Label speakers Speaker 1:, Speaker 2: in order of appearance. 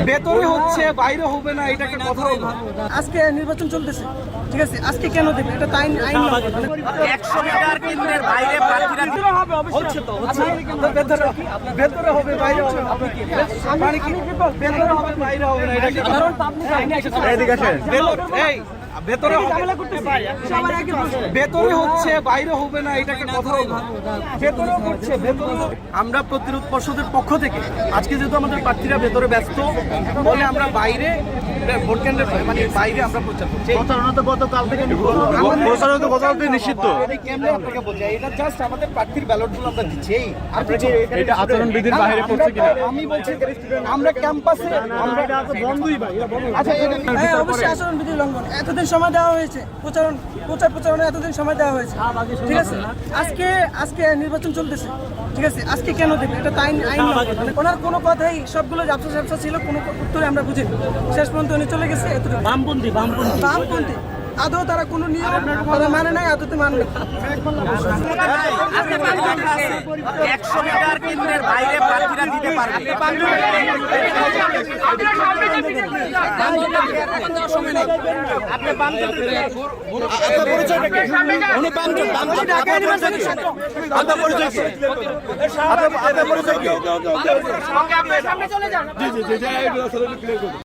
Speaker 1: ভেতরে হচ্ছে বাইরে হবে না, এটাকে কথা হলো।
Speaker 2: আজকে নির্বাচন চলতেছে, ঠিক আছে, আজকে কেন দেবে এটা তো আইন
Speaker 1: 100 মিটার কেন্দ্রের বাইরে প্রার্থীরা হবে, হচ্ছে তো হচ্ছে ভেতরে হবে বাইরে হবে না। মানে কি ভেতরে হবে বাইরে হবে না, এটাকে কারণ এদিকে আসেন। এই ভেতরে ভেতরে হচ্ছে বাইরে হবে না, এটাকে কথা হলো। ভেতরে হচ্ছে ভেতরে। আমরা প্রতিরোধ পর্ষদের পক্ষ থেকে আজকে যেহেতু আমাদের প্রার্থীরা ভেতরে ব্যস্ত বলে আমরা বাইরে ভোট কেন্দ্রের মানে বাইরে আমরা প্রচার করছি।
Speaker 3: প্রচারণা তো গতকাল থেকে নিষিদ্ধ।
Speaker 1: কেমনে আপনাকে বলছি, এটা জাস্ট আমাদের প্রার্থীর ব্যালটগুলো আমরা দিচ্ছি। এই
Speaker 3: এটা আচরণ বিধির বাইরে পড়ছে কিনা
Speaker 1: আমি বলছি আমরা ক্যাম্পাসে আমরা বন্ধই ভাই। আচ্ছা
Speaker 2: হ্যাঁ, অবশ্যই আচরণবিধির লঙ্ঘন। এতদিন সময় দেওয়া হয়েছে, প্রচারণা এতদিন সময় দেওয়া হয়েছে, ঠিক আছে। আজকে নির্বাচন চলতেছে, ঠিক আছে, আজকে কেন দেবে এটা তো আইন লঙ্ঘন। ওনার কোনো কথাই সবগুলো ব্যবসা ছিল, কোনো উত্তরে আমরা বুঝিনি। শেষ পর্যন্ত উনি চলে গেছে। বামপন্থী আদৌ তারা কোনো নিয়ম তারা মানে নাই, আদৌতে মানে না।
Speaker 1: 100 মিটার কেন্দ্রের বাইরে প্রার্থীরা দিতে পারবে।
Speaker 3: জি